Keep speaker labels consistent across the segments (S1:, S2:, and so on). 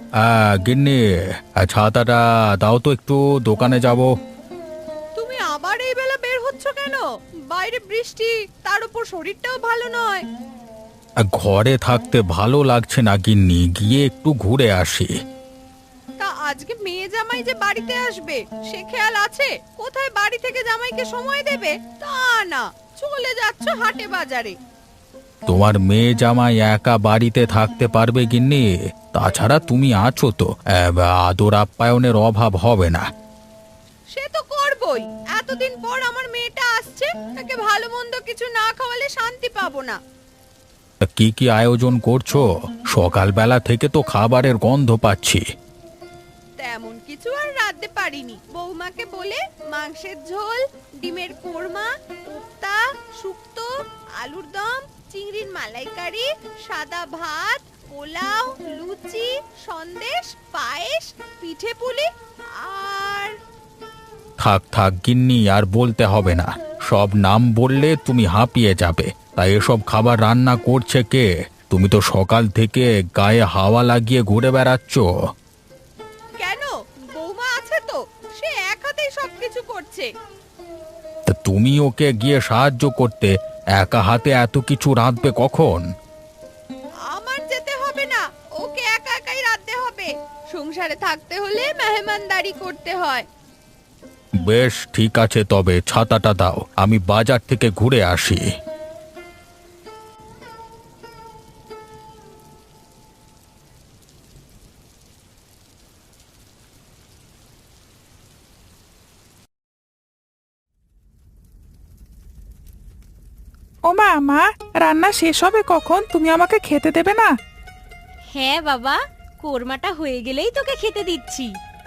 S1: গিন্নি, ছাতাটা দাও তো, একটু দোকানে যাব।
S2: তুমি আবার এই বেলা বের হচ্ছ কেন? বাইরে বৃষ্টি, তার উপর শরীরটাও ভালো নয়।
S1: ঘরে থাকতে ভালো লাগছে না গিন্নি, গিয়ে একটু ঘুরে আসি।
S2: তা আজকে মেয়ে জামাই যে বাড়িতে আসবে, সে খেয়াল আছে? কোথায় বাড়ি থেকে জামাইকে সময় দেবে তা না, চলে যাচ্ছ হাটে বাজারে।
S1: তোমার মেয়ে জামাই একা বাড়িতে থাকতে পারবে গিন্নি? তাছাড়া তুমি আছো তো, আদর আপ্যায়নের অভাব হবে না।
S2: সে তো করবই, এতদিন পর আমার মেয়েটা আসছে, তাকে ভালো মন্দ কিছু না খাওয়ালে শান্তি পাবো না।
S1: তা কি কি আয়োজন করছো? সকালবেলা থেকে তো খাবারের গন্ধ পাচ্ছি।
S2: তেমন কিছু আর রাঁধতে পারিনি, বৌমাকে বলে মাংসের ঝোল, ডিমের কোরমা, কোপ্তা, শুক্তো, আলুর দম, চিংড়ির মালাইকারি, সাদা ভাত, পোলাও, লুচি, সন্দেশ, পায়েস, পিঠে পুলি আর
S1: থাক থাক গিন্নি, আর বলতে হবে না। সব নাম বললে তুমি হাঁপিয়ে যাবে। তাই এসব খাবার রান্না করছে কে? তুমি তো সকাল থেকে গায়ে হাওয়া লাগিয়ে ঘুরে বেড়াচ্ছ।
S2: কেন, বৌমা আছে তো, সে এক হাতেই সবকিছু করছে।
S1: তা তুমি ওকে গিয়ে সাহায্য করতে, একা হাতে এত কিছু রাঁধবে কখন?
S2: আমার যেতে হবে না, ওকে একা একাই রাঁধতে হবে। সংসারে থাকতে হলে মেহমানদারি করতে হয়।
S1: বেশ ঠিক আছে, তবে ছাতাটা দাও, আমি বাজার থেকে ঘুরে আসি।
S3: মা, রান্না শেষ হবে কখন? তুমি আমাকে খেতে দেবে না?
S4: হ্যাঁ বাবা, কোরমাটা হয়ে গেলেই তোকে খেতে দিচ্ছি।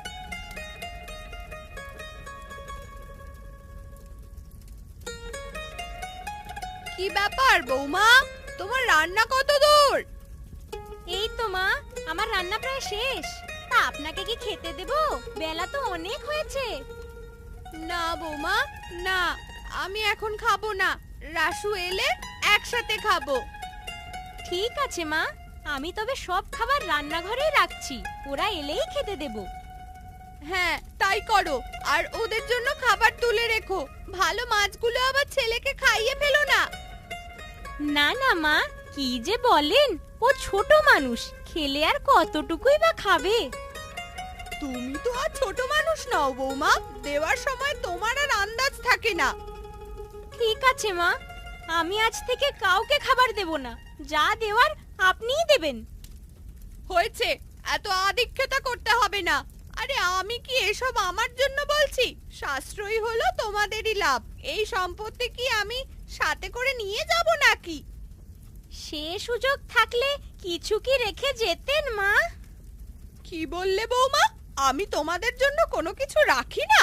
S2: কি ব্যাপার বৌমা, তোমার রান্না কত দূর?
S4: এই তো মা, আমার রান্না প্রায় শেষ। তা আপনাকে কি খেতে দেব? বেলা তো অনেক হয়েছে।
S2: না বৌমা, না, আমি এখন খাবো না। রাসু এলে একসাথে খাবো।
S4: ঠিক আছে মা, আমি তবে সব খাবার রান্নাঘরেই রাখছি, ওরা এলেই খেতে দেব।
S2: হ্যাঁ তাই করো, আর ওদের জন্য খাবার তুলে রেখো। ভালো মাছগুলো আবার ছেলেকে খাইয়ে ফেলো না।
S4: না না মা, কি যে বলেন, ও ছোট মানুষ, খেলে আর কতটুকুই বা খাবে।
S2: তুমি তো আর ছোট মানুষ নও বৌমা, দেওয়ার সময় তোমার আর আন্দাজ থাকে না।
S4: ঠিক আছে মা, আমি আজ থেকে কাউকে খাবার দেব না, যা দেওয়ার আপনিই দেবেন।
S2: হয়েছে, এত আদিক্ষেতা করতে হবে না। আরে আমি কি এসব আমার জন্য বলছি? সাশ্রয়ী হলো তোমাদেরই লাভ। এই সম্পত্তি কি আমি সাথে করে নিয়ে যাব নাকি?
S4: সে সুযোগ থাকলে কিছু কি রেখে যেতেন মা?
S2: কি বললে বৌমা? আমি তোমাদের জন্য কোনো কিছু রাখি না?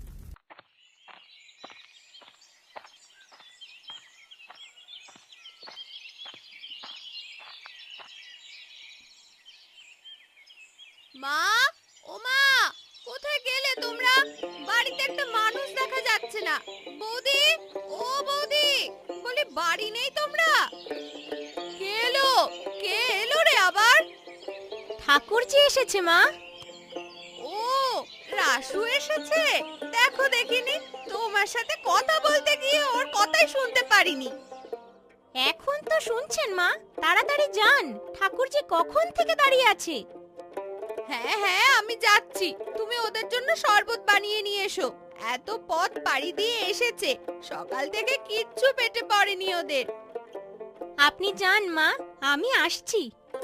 S2: মা, ও মা, কোথায় গেলে তোমরা? বাড়িতে একটা মানুষ দেখা যাচ্ছে না। বৌদি, ও বৌদি, বলি বাড়ি নেই তোমরা? কে এলো? কে এলো রে আবার?
S4: ঠাকুরজি এসেছে মা।
S2: ও, রাসু এসেছে। দেখো দেখিনি, তোমার সাথে কথা বলতে গিয়ে ওর কথাই শুনতে পারিনি।
S4: এখন তো শুনছেন মা, তাড়াতাড়ি যান, ঠাকুরজি কখন থেকে দাঁড়িয়ে আছে।
S2: হ্যাঁ হ্যাঁ, আমি যাচ্ছি। তুমি ওদের জন্য শরবত বানিয়ে নিয়ে এসো। এত পথ পাড়ি দিয়ে এসেছে, সকাল থেকে কিচ্ছু পেটে পড়েনি ওদের।
S4: আপনি যান মা, আমি আসছি।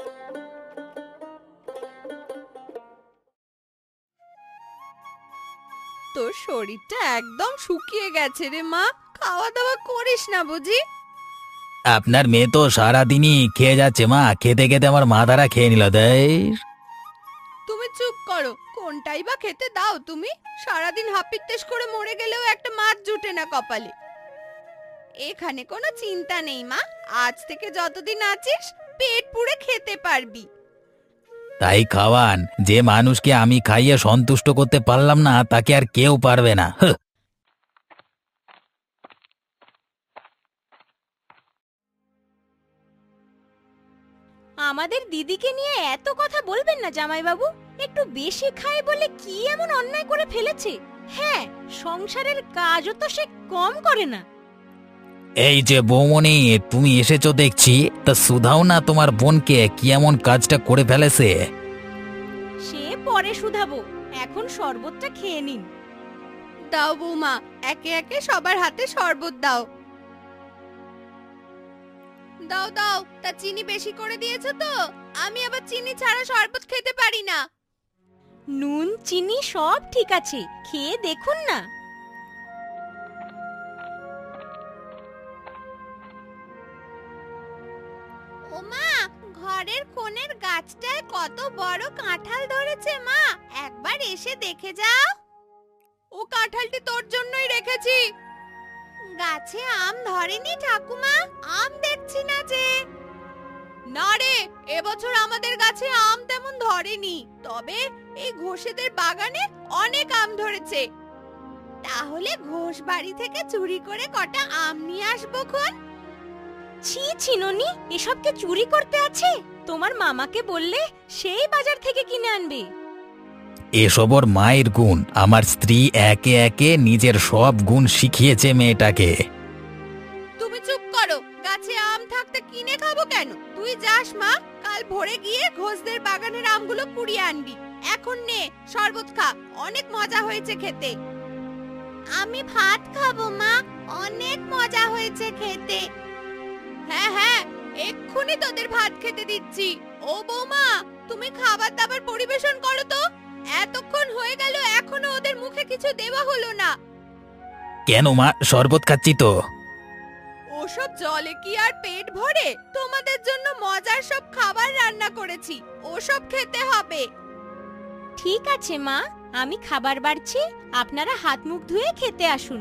S2: তোর শরীরটা একদম শুকিয়ে গেছে রে মা, খাওয়া দাওয়া করিস না বুঝি?
S1: আপনার মেয়ে তো সারাদিনই খেয়ে যাচ্ছে মা, খেতে খেতে আমার মাথাটা খেয়ে নিল দেয়।
S2: তুমি চুপ করো, কোনটাই বা খেতে দাও তুমি? সারাদিন হাপিত্তেশ করে মরে গেলেও একটা মাছ জুটে না কপালে। এখানে কোনো চিন্তা নেই মা, আজ থেকে যতদিন আছিস পেট পুড়ে খেতে পারবি।
S1: তাই খাওয়ান, যে মানুষকে আমি খাইয়ে সন্তুষ্ট করতে পারলাম না তাকে আর কেউ পারবে না।
S4: আমাদের দিদিকে নিয়ে এত কথা বলবেন না জামাইবাবু। একটু বেশি খায় বলে কি এমন অন্যায় করে ফেলেছে? হ্যাঁ, সংসারের কাজও তো সে কম করে না।
S5: এই যে বৌমনি, তুমি এসেছো দেখছি, তা শুধাও না তোমার বোনকে কি এমন কাজটা করে ফেলেছে।
S4: সে পরে শুধাবো, এখন শরবতটা খেয়ে নিন।
S2: দাও বৌমা, একে একে সবার হাতে শরবত দাও। দাও দাও, তা চিনি বেশি করে দিয়েছো তো? আমি আবার চিনি ছাড়া শরবত খেতে পারি না।
S4: নুন চিনি সব ঠিক আছে, খেয়ে দেখুন না।
S2: ওমা, ঘরের কোণের গাছটায় কত বড় কাঁঠাল ধরেছে মা, একবার এসে দেখে যাও। ও কাঁঠালটি তোর জন্যই রেখেছি। গাছে আম ধরেনি ঠাকুমা? আম দেখছি না যে। না রে, এবছর আমাদের গাছে আম তেমন ধরেনি, তবে এই ঘোষেদের বাগানে অনেক আম ধরেছে। তাহলে ঘোষ বাড়ি থেকে চুরি করে কটা আম নিয়ে আসবো খন।
S4: ছি ছি ননি, এসবকে চুরি করতে আছে? তোমার মামাকে বললে সেই বাজার থেকে কিনে আনবে।
S5: এসব ওর মায়ের গুণ। আমার স্ত্রী একে একে নিজের সব গুণ শিখিয়েছে মেয়েটাকে।
S2: তুমি চুপ করো, গাছে আম থাকতে কিনে খাবো কেন? তুই যাস মা, কাল ভোরে গিয়ে ঘোষদের বাগানের আমগুলো কুড়িয়ে আনবি। এখন নে শরবত খা, অনেক মজা হয়েছে খেতে। আমি ভাত খাবো মা, অনেক মজা হয়েছে খেতে। হ্যাঁ হ্যাঁ, এক্ষুনি তোদের ভাত খেতে দিচ্ছি। ও বৌমা, তুমি খাবার দাবার পরিবেশন করো তো। এতক্ষণ হয়ে গেল, এখনো ওদের মুখে কিছু দেওয়া হলো না।
S5: কেন মা, শরবত খাচ্ছি তো।
S2: ওসব জলে কি আর পেট ভরে? তোমাদের জন্য মজার সব খাবার রান্না করেছি, ওসব খেতে হবে।
S4: ঠিক আছে মা, আমি খাবার বাড়ছি, আপনারা হাত মুখ ধুয়ে খেতে আসুন।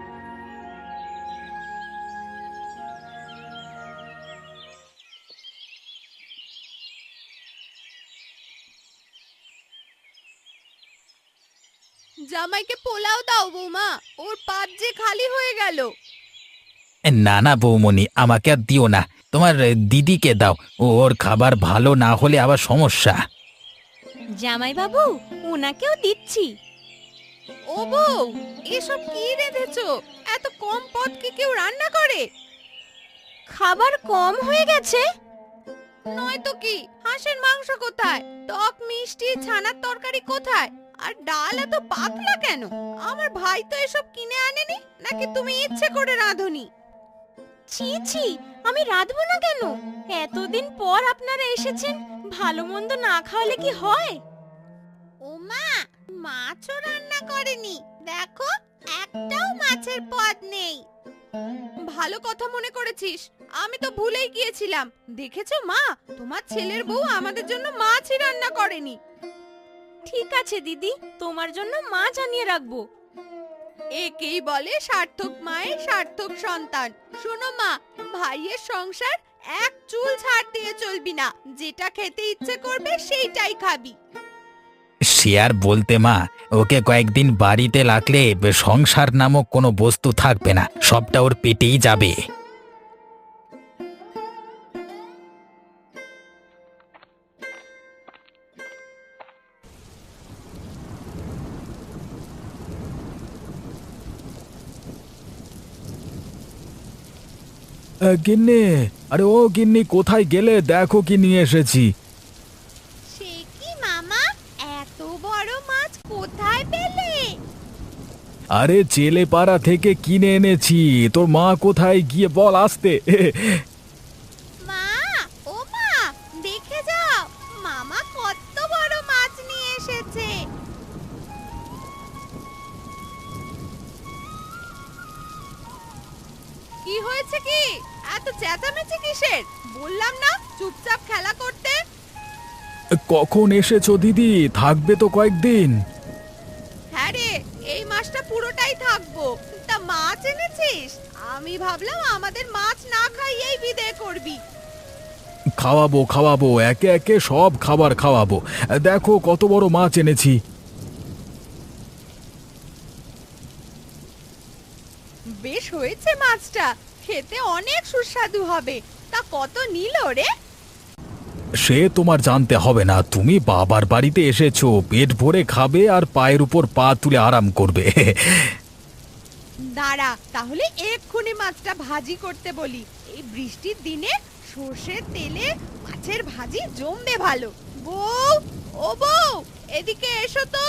S2: জামাইকে পোলাও দাও বৌমা, ওর পাত যে খালি হয়ে গেল।
S5: না না বৌমনি, আমাকে আর দিও না, তোমার দিদিকে দাও। ওর খাবার ভালো না হলে আবার সমস্যা।
S4: জামাইবাবু, ওনাকেও দিচ্ছি।
S2: ও বউ, এসব কি রেঁধেছো? এত কম পদ কি কেউ রান্না করে?
S4: খাবার কম হয়ে গেছে।
S2: নয়তো কি, হাঁসের মাংস কোথায়? টক মিষ্টি ছানার তরকারি কোথায়? আর ডাল এত পাতলা কেন? আমার ভাই তো এসব কিনে আনেনি, নাকি তুমি ইচ্ছে করে রাঁধুনি?
S4: ছি ছি, আমি রাঁধবো না কেন? এতদিন পর আপনারা এসেছেন, ভালো মন্দ না খাওয়ালে কি হয়?
S2: ওমা, মাছও রান্না করেনি, দেখো একটাও মাছের পদ নেই। ভালো কথা মনে করেছিস, আমি তো ভুলেই গিয়েছিলাম। দেখেছো মা, তোমার ছেলের বউ আমাদের জন্য মাছই রান্না করেনি।
S4: ঠিক আছে দিদি, তোমার জন্য মাছ আনিয়ে রাখবো।
S2: একেই বলে সার্থক মায়ের সার্থক সন্তান। শোনো মা, ভাইয়ের সংসার এক চুল ছাড় দিয়ে চলবি না, যেটা খেতে ইচ্ছে করবে সেইটাই খাবি।
S5: সে আর বলতে মা, ওকে কয়েকদিন বাড়িতে লাগলে সংসার নামক কোনো বস্তু থাকবে না, সবটা ওর পেটেই যাবে।
S1: গিন্নি, আরে ও গিন্নি, কোথায় গেলে? দেখো কি নিয়ে এসেছি।
S2: সে কি মামা, এত বড় মাছ কোথায় পেলে?
S1: আরে চেলেপাড়া থেকে কিনে এনেছি। তোর মা কোথায় গিয়ে বল আসতে।
S2: মা, ও মা, দেখে যাও, মামা কত বড় মাছ নিয়ে এসেছে। কি হয়েছে কি? এত চেঁচামেচি কিসের? বললাম না চুপচাপ খেলা করতে।
S1: কখন এসেছো দিদি? থাকবে তো কয়েকদিন?
S2: হ্যাঁ রে, এই মাছটা পুরোটাই থাকবো। তা মাছ এনেছিস? আমি ভাবলাম আমাদের মাছ না খাইয়েই বিদায় করবি।
S1: খাওয়াবো খাওয়াবো, একে একে সব খাবার খাওয়াবো। দেখো কত বড় মাছ এনেছি।
S2: বেশ হয়েছে মাছটা, খেতে অনেক সুস্বাদু হবে। তা কত নিল রে?
S1: সে তোমার জানতে হবে না, তুমি বাবার বাড়িতে এসেছো, পেট ভরে খাবে আর পায়ের উপর পা তুলে আরাম করবে।
S2: দাঁড়া, তাহলে এক্ষুনি মাছটা ভাজি করতে বলি। এই বৃষ্টির দিনে সর্ষের তেলে মাছের ভাজি জমবে ভালো। বউ, ও বউ, এদিকে এসো তো।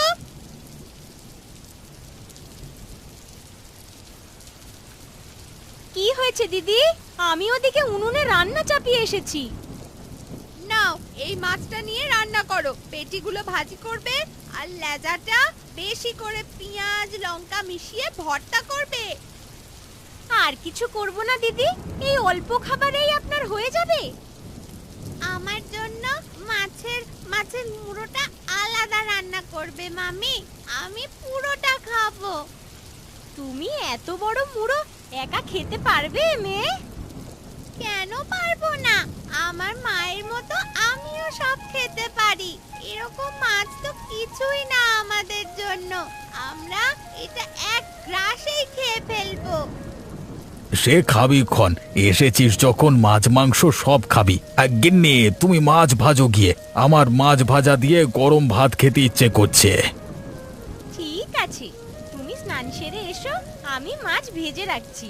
S4: কি হয়েছে দিদি? আমি ওদিকে উনুনে রান্না চাপিয়ে এসেছি।
S2: নাও, এই মাছটা নিয়ে রান্না করো। পেটিগুলো ভাজি করবে আর লেজাটা বেশি করে পেঁয়াজ লঙ্কা মিশিয়ে ভর্তা করবে।
S4: আর কিছু করব না দিদি, এই অল্প খাবারেই আপনার হয়ে যাবে।
S2: আমার জন্য মাছের মাছের মুড়োটা আলাদা রান্না করবে মামি, আমি পুরোটা খাবো।
S4: তুমি এত বড় মুড়ো একা খেতে পারবে মেয়ে?
S2: কেন পারবো না? আমার মায়ের মতো আমিও সব খেতে পারি। এরকম মাছ তো কিছুই না আমাদের জন্য, আমরা এটা এক গ্রাসেই খেয়ে ফেলবো।
S1: সে খাবি ক্ষণ, এসেছিস যখন মাছ মাংস সব খাবি। আর গিন্নি, তুমি মাছ ভাজো গিয়ে, আমার মাছ ভাজা দিয়ে গরম ভাত খেতে ইচ্ছে করছে।
S4: ঠিক আছে, তুমি স্নান সেরে এসো, আমি মাছ ভেজে রাখছি।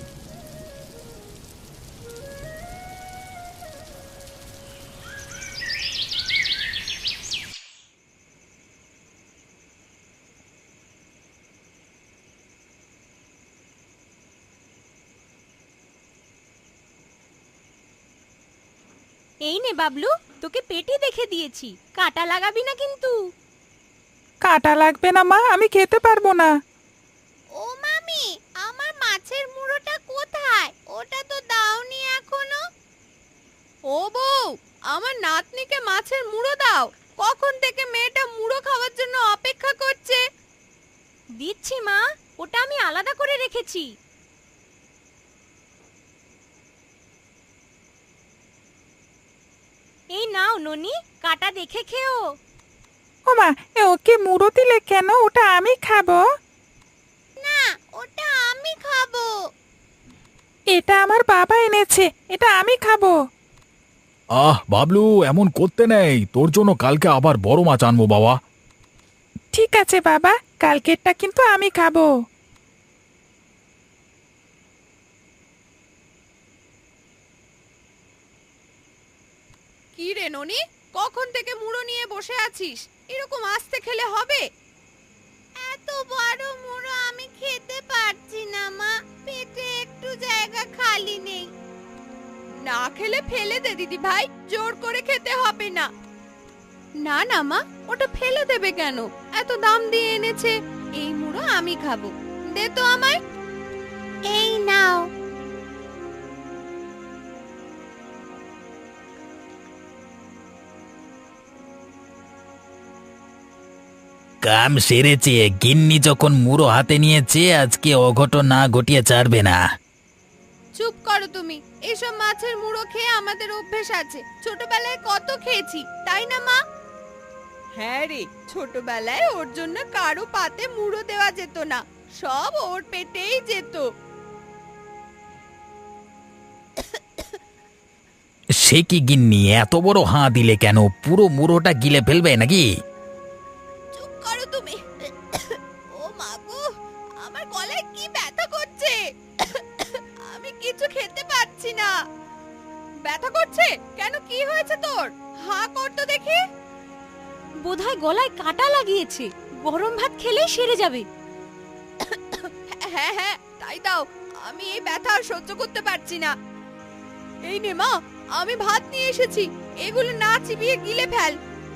S4: এই নে বাবলু, তোকে পেটি দেখে দিয়েছি, কাটা লাগাবি না কিন্তু।
S3: কাটা লাগবে না মা, আমি খেতে পারবো না।
S2: ও মামি, আমার মাছের মুড়োটা কোথায়? ওটা তো দাওনি এখনো। ও বউ, আমার নাতনিকে মাছের মুড়ো দাও। কখন থেকে মেয়েটা মুড়ো খাওয়ার জন্য অপেক্ষা করছে।
S4: দিচ্ছি মা, ওটা আমি আলাদা করে রেখেছি। এই নাও ননি, কাটা দেখে খেও।
S3: ও মা, ওকে মুড়ো দিলে কেন? ওটা আমি খাবো।
S2: না, ওটা আমি খাবো।
S3: এটা আমার বাবা এনেছে, এটা আমি খাবো।
S1: বাবলু, এমন করতে নেই, তোর জন্য কালকে আবার বড় মাছ আনবো বাবা।
S3: ঠিক আছে বাবা, কালকেরটা কিন্তু আমি খাবো।
S2: কি রে ননি, কখন থেকে মুড়ো নিয়ে বসে আছিস? এরকম আস্তে খেলে হবে? এত বড় মুড়ো আমি খেতে পারছি না মা, পেটে একটু জায়গা খালি নেই। না খেলে ফেলে দে দিদি ভাই, জোর করে খেতে হবে না। না না মা, ওটা ফেলে দেবে কেন? এত দাম দিয়ে এনেছে, এই মুড়ো আমি খাবো। দে তো আমায়। এই নাও।
S5: কাম সেরেছে, গিন্নি যখন মুড়ো হাতে নিয়েছে, আজকে অঘটন না ঘটিয়ে ছাড়বে না।
S2: চুপ করো তুমি। এসব মাছের মুড়ো খেয়ে আমাদের অভ্যেস আছে, ছোটবেলায় কত খেয়েছি, তাই না মা? হ্যাঁ রে, ছোটবেলায় ওর জন্য কারো পাতে মুড়ো দেওয়া যেত না, সব ওর পেটেই যেত।
S5: সে কি গিন্নি, এত বড় হাঁ দিলে কেন? পুরো মুড়োটা গিলে ফেলবে নাকি?
S2: চুপ করো তুমি। ও মা গো, আমার গলায় কি ব্যথা করছে, আমি কিছু খেতে পারছি না। ব্যথা করছে কেন? কি হয়েছে তোর? হাঁ কর তো দেখি।
S4: বোধহয় গলায় কাটা লাগিয়েছে, গরম ভাত খেলেই সেরে যাবে।
S2: হ্যাঁ হ্যাঁ, তাই দাও, আমি এই ব্যথা আর সহ্য করতে পারছি না। এই নে মা, আমি ভাত নিয়ে এসেছি, এগুলো না চিবিয়ে গিলে ফেল।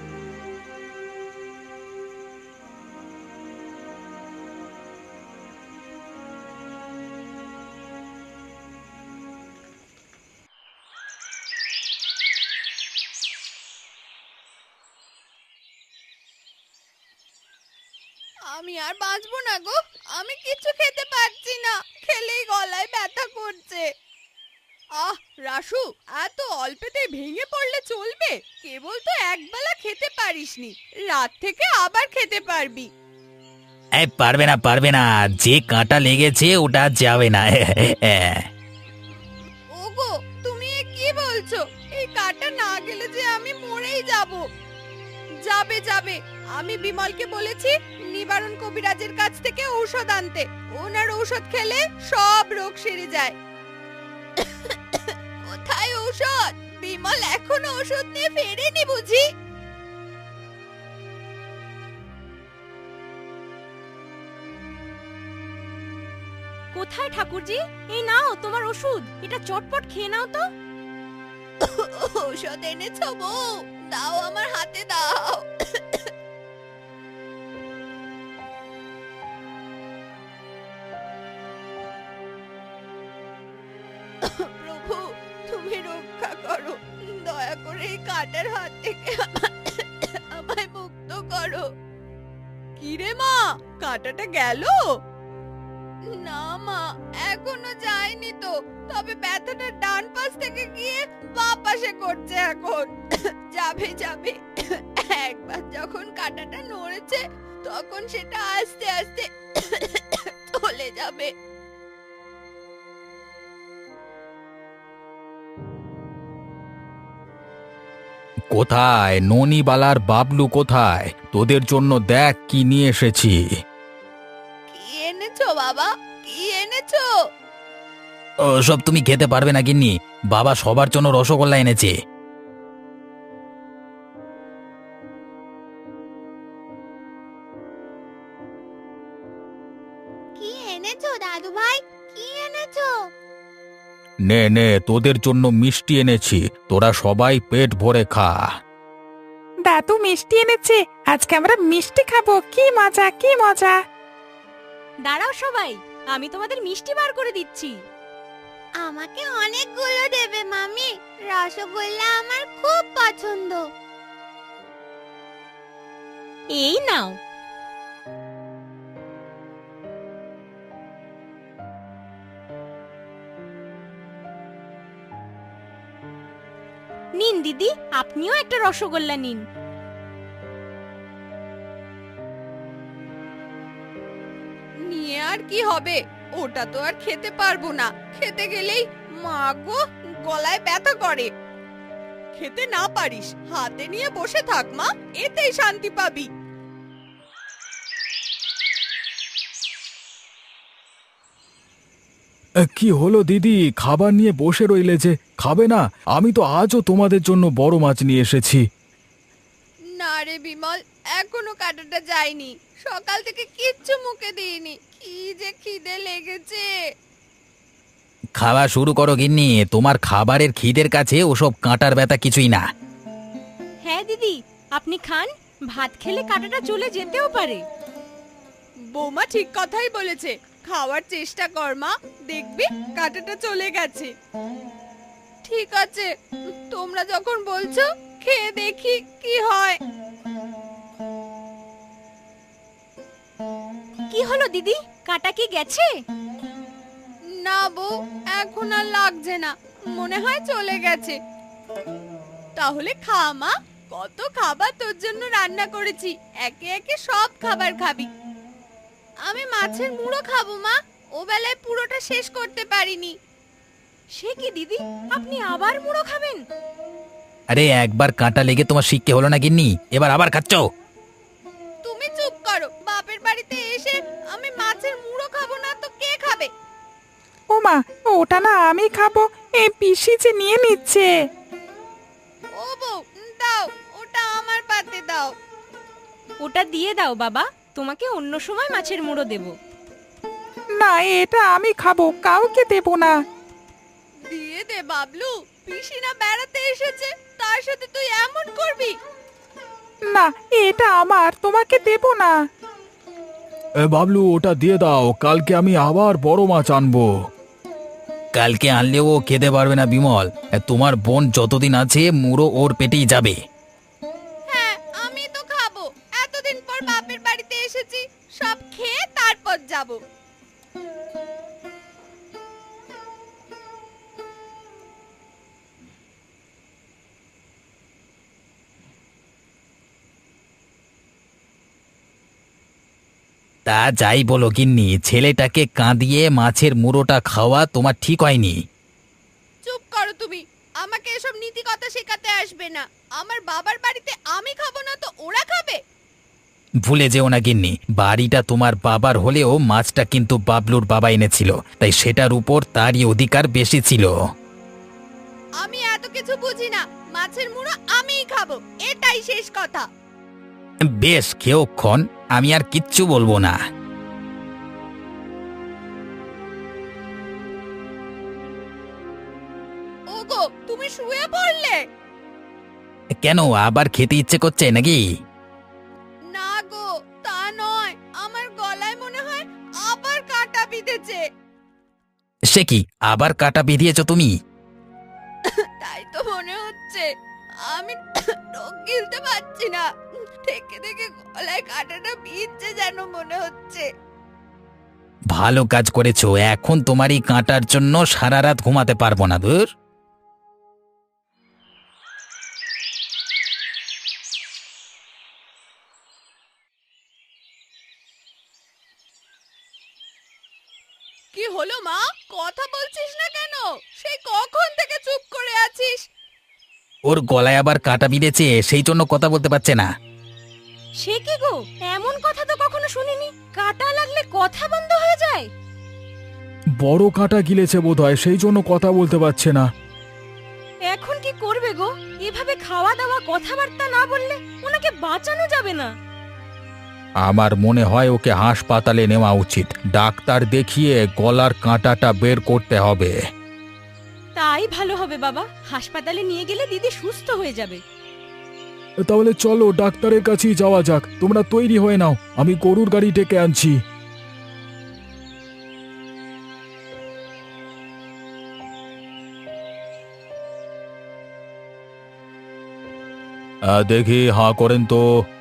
S2: আমি আর বাঁচবো না গো, আমি কিছু খেতে পারছি না, খেলেই গলায় ব্যথা করছে। রাসু, এত অল্পেতে ভেঙে পড়লে চলবে? কেবল তো একবেলা খেতে পারিসনি, রাত থেকে আবার খেতে পারবি।
S5: এই পারবে না, পারবে না, যে কাঁটা লেগেছে ওটা আর যাবে না।
S2: ওগো, তুমি এ কি বলছো? বলছো? এই কাঁটা না গেলে যে আমি মরেই যাব। যাবে যাবে, আমি বিমলকে বলেছি নিবারণ কবিরাজের কাছ থেকে ঔষধ আনতে। ওনার ঔষধ খেলে সব রোগ সেরে যায়। কোথায় ঔষধ? বিমল এখনো ওষুধ নিয়ে ফেরেনি বুঝি?
S4: কোথায় ঠাকুরজি? এই নাও তোমার ওষুধ, এটা চটপট খেয়ে নাও তো।
S2: ঔষধ এনেছো বউ? দাও, আমার হাতে দাও। প্রভু, তুমি রক্ষা করো, দয়া করে এই কাঁটার হাত থেকে আমায় মুক্ত করো। কি রে মা, কাঁটাটা গেল? না মা, এখনো যায়নি তো, তবে ব্যথাটা ডান পাশ থেকে গিয়ে বাঁ পাশে করছে এখন। যাবে যাবে, একবার যখন কাঁটাটা নড়েছে তখন সেটা আস্তে আস্তে চলে যাবে।
S1: কোথায় ননিবালার বাবলু? কোথায়? তোদের জন্য দেখ কি নিয়ে এসেছি।
S2: কি এনেছো বাবা, কি এনেছো?
S5: সব তুমি খেতে পারবে না গিন্নি, বাবা সবার জন্য রসগোল্লা এনেছে।
S2: কি এনেছো দাদু ভাই, কি এনেছো?
S1: নে নে, তোদের জন্য মিষ্টি এনেছি, তোরা সবাই পেট ভরে খা।
S3: দাদু মিষ্টি এনেছে, আজকে আমরা মিষ্টি খাবো। কি মজা, কি মজা!
S4: দাঁড়াও সবাই, আমি তোমাদের মিষ্টি বার করে দিচ্ছি।
S2: আমাকে অনেকগুলো দেবে মামি, রসগোল্লা আমার খুব পছন্দ।
S4: এই নাও। নিন দিদি, আপনিও একটা রসগোল্লা নিন।
S2: নিয়ে আর কি হবে, ওটা তো আর খেতে পারবো না। খেতে গেলেই মা গো, গলায় ব্যথা করে। খেতে না পারিস, হাতে নিয়ে বসে থাক মা, এতেই শান্তি পাবি।
S1: কি হলো দিদি, খাবার নিয়ে বসে রইলে যে? খাবে না? আমি তো আজও তোমাদের জন্য বড় মাছ নিয়ে এসেছি।
S2: না রে বিমল, এখনো কাঁটাটা যায়নি। সকাল থেকে কিচ্ছু মুখে দিইনি, কি যে খিদে লেগেছে।
S5: খাওয়া শুরু করো গিন্নি, তোমার খাবারের খিদের কাছে ওসব কাঁটার ব্যথা কিছুই না।
S4: হ্যাঁ দিদি, আপনি খান, ভাত খেলে কাঁটাটা চলে যেতেও পারে।
S2: বৌমা ঠিক কথাই বলেছে, খাওয়ার চেষ্টা কর মা, দেখবি কাঁটাটা চলে গেছে। ঠিক আছে, তোমরা যখন বলছো খেয়ে দেখি কি হয়।
S4: কি হলো দিদি, কাঁটা কি গেছে?
S2: না বউ, এখন আর লাগছে না, মনে হয় চলে গেছে। তাহলে খা মা, কত খাবার তোর জন্য রান্না করেছি, একে একে সব খাবার খাবি। আমি মাছের মুড়ো খাবো মা, ও বেলায় পুরোটা শেষ করতে পারিনি।
S4: সে কি দিদি, আপনি আবার মুড়ো খাবেন?
S5: আরে একবার কাঁটা লেগে তোমার শিক্ষে হলো না গিন্নি, এবার আবার খাচ্ছ?
S2: তুমি চুপ করো, বাপের বাড়িতে এসে আমি মাছের মুড়ো খাবো না তো কে খাবে?
S3: ও মা, ওটা না আমি খাবো, এই পিসি যে নিয়ে নিচ্ছে।
S2: ও বউ, দাও, ওটা আমার পাতে দাও।
S4: ওটা দিয়ে দাও বাবা, তোমাকে অন্য সময় মাছের মুড়ো দেব।
S3: না, এটা আমি খাবো, কাউকে দেব না।
S2: দিয়ে দে বাবলু, পিসি না বেড়াতে এসেছে, তার সাথে তুই এমন করবি?
S3: না, এটা আমার, তোমাকে দেব না।
S1: বাবলু, ওটা দিয়ে দাও, কালকে আমি আবার বড় মাছ আনবো।
S5: কালকে আনলেও ও খেতে পারবে না বিমল, তোমার বোন যতদিন আছে মুড়ো ওর পেটেই যাবে।
S2: হ্যাঁ, আমি তো খাবো, এতদিন পর বাপের বাড়িতে এসেছি, সব খেয়ে তারপর যাব।
S5: তা যাই বলো গিন্নি, ছেলেটাকে কাঁদিয়ে মাছের মুড়োটা খাওয়া তোমার ঠিক হয়নি।
S2: চুপ করো তুমি, আমাকে এসব নীতি কথা শেখাতে আসবে না। আমার বাবার বাড়িতে আমি খাবো না তো ওরা খাবে?
S5: ভুলে যেও না গিন্নি, বাড়িটা তোমার বাবার হলেও মাছটা কিন্তু বাবলুর বাবা এনেছিল, তাই সেটার উপর তারই অধিকার বেশি ছিল।
S2: আমি এত কিছু বুঝি না, মাছের মুড়ো আমিই খাবো, এটাই শেষ কথা।
S5: বেশ, খেয়েক্ষণ, আমি আর কিচ্ছু বলবো না।
S2: ওগো, তুমি শুয়ে পড়লে?
S5: কেন, আবার খেতে ইচ্ছে করছে নাকি?
S2: না গো, তা নয়, আমার গলায় মনে হয় আবার কাঁটা বিঁধেছে।
S5: সে কি, আবার কাটা বিধিয়েছ তুমি?
S2: তাই তো মনে হচ্ছে। আমি রোগ গিলতে পারছি না, থেকে থেকে গলায় কাঁটাটা বিঁধছে যেন মনে হচ্ছে।
S5: ভালো কাজ করেছো, এখন তোমার এই কাঁটার জন্য সারা রাত ঘুমাতে পারবো না। ধুর।
S2: কি হলো মা, কথা বলছিস না কেন? সেই কখন থেকে চুপ করে আছিস?
S5: ওর গলায় আবার কাটা বিঁধেছে, সেই জন্য কথা বলতে পারছে না।
S4: সে কি গো, এমন কথা তো কখনো শুনিনি। কাটা লাগলে কথা বন্ধ হয়ে যায়?
S1: বড় কাঁটা গিলেছে বোধহয়, সেই জন্য কথা বলতে পারছে না।
S4: এখন কি করবে গো? এভাবে খাওয়া দাওয়া কথাবার্তা না বললে ওনাকে বাঁচানো যাবে না।
S1: আমার মনে হয় ওকে হাসপাতালে নেওয়া উচিত। ডাক্তার দেখিয়ে গলার কাঁটাটা বের করতে হবে।
S4: তাই ভালো হবে বাবা, হাসপাতালে নিয়ে গেলে দিদি সুস্থ হয়ে যাবে।
S1: তাহলে চলো ডাক্তারের কাছেই যাওয়া যাক। তোমরা তৈরি হয়ে নাও, আমি গরুর গাড়ি ডেকে আনছি। দেখি, হাঁ করেন তো।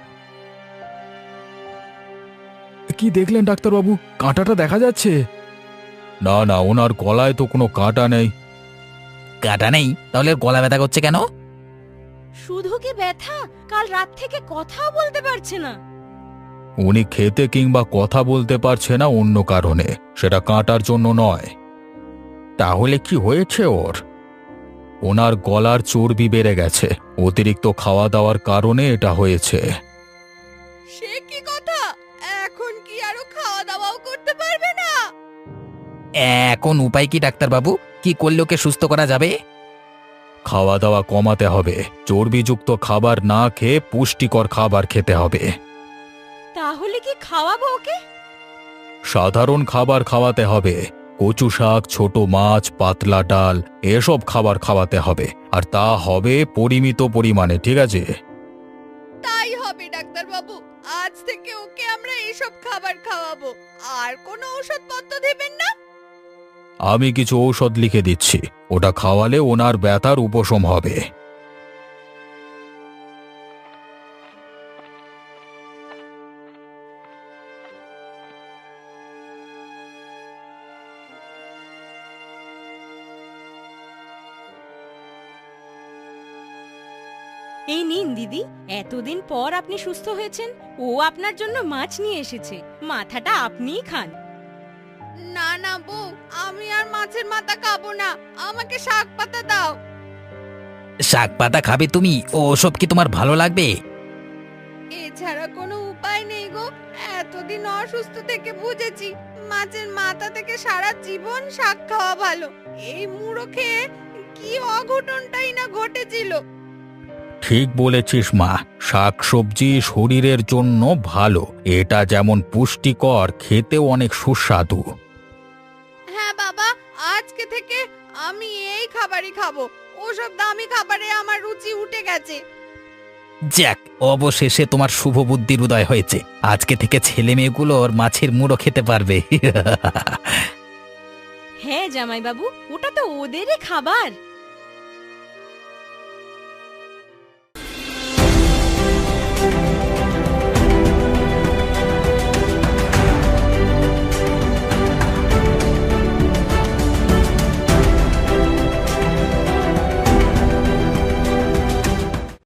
S1: কি দেখলেন ডাক্তারবাবু, কাঁটাটা দেখা যাচ্ছে? না না, ওনার গলায় তো কোনো কাঁটা নেই।
S5: কাটা নেই? তাহলে ওর গলা ব্যথা করছে কেন?
S4: শুধু কি ব্যথা, কাল রাত থেকে কথাও বলতে পারছে না।
S1: উনি খেতে কিংবা কথা বলতে পারছে না অন্য কারণে, সেটা কাঁটার জন্য নয়। তাহলে কি হয়েছে ওর? ওনার গলার চর্বি বেড়ে গেছে, অতিরিক্ত খাওয়া দাওয়ার কারণে এটা হয়েছে।
S2: সে কি কথা, এখন কি আরো খাওয়া দাওয়াও করতে পারবে না?
S5: এখন উপায় কি ডাক্তারবাবু? কি করলে ওকে সুস্থ করা যাবে?
S1: খাওয়া দাওয়া কমাতে হবে, চর্বিযুক্ত খাবার না খেয়ে পুষ্টিকর খাবার খেতে হবে।
S4: তাহলে কি খাওয়াবো ওকে?
S1: সাধারণ খাবার খাওয়াতে হবে, কচু শাক, ছোট মাছ, পাতলা ডাল, এসব খাবার খাওয়াতে হবে। আর তা হবে পরিমিত পরিমাণে, ঠিক আছে?
S2: তাই হবে ডাক্তার বাবু, আজ থেকে ওকে আমরা এসব খাবার খাওয়াবো। আর কোনো ওষুধপত্র দেবেন না?
S1: আমি কিছু ঔষধ লিখে দিচ্ছি, ওটা খাওয়ালে ওনার ব্যথার উপশম হবে।
S4: এই নিন দিদি, এতদিন পর আপনি সুস্থ হয়েছেন। ও আপনার জন্য মাছ নিয়ে এসেছে, মাথাটা আপনিই খান।
S2: না না বউ, আমি আর মাছের মাথা খাবো না, আমাকে শাক পাতা দাও।
S5: শাক পাতা খাবে তুমি? ওসব কি তোমার ভালো লাগবে?
S2: এছাড়া কোনো উপায় নেই গো। এতদিন অসুস্থ থেকে বুঝেছি মাছের মাথা থেকে সারা জীবন শাক খাওয়া ভালো। এই মুড়ো খেয়ে কি অঘটনটাই না ঘটেছিল।
S1: ঠিক বলেছিস মা, শাকসবজি শরীরের জন্য ভালো। এটা যেমন পুষ্টিকর, খেতেও অনেক সুস্বাদু।
S2: হ্যাঁ বাবা, আজকে থেকে আমি এই খাবারই খাবো। ওসব দামি খাবারে আমার রুচি উঠে গেছে।
S5: যাক, অবশেষে তোমার শুভ বুদ্ধির উদয় হয়েছে। আজকে থেকে ছেলে মেয়েগুলোর মাছের মুড়ো খেতে পারবে।
S4: হ্যাঁ জামাইবাবু, ওটা তো ওদেরই খাবার।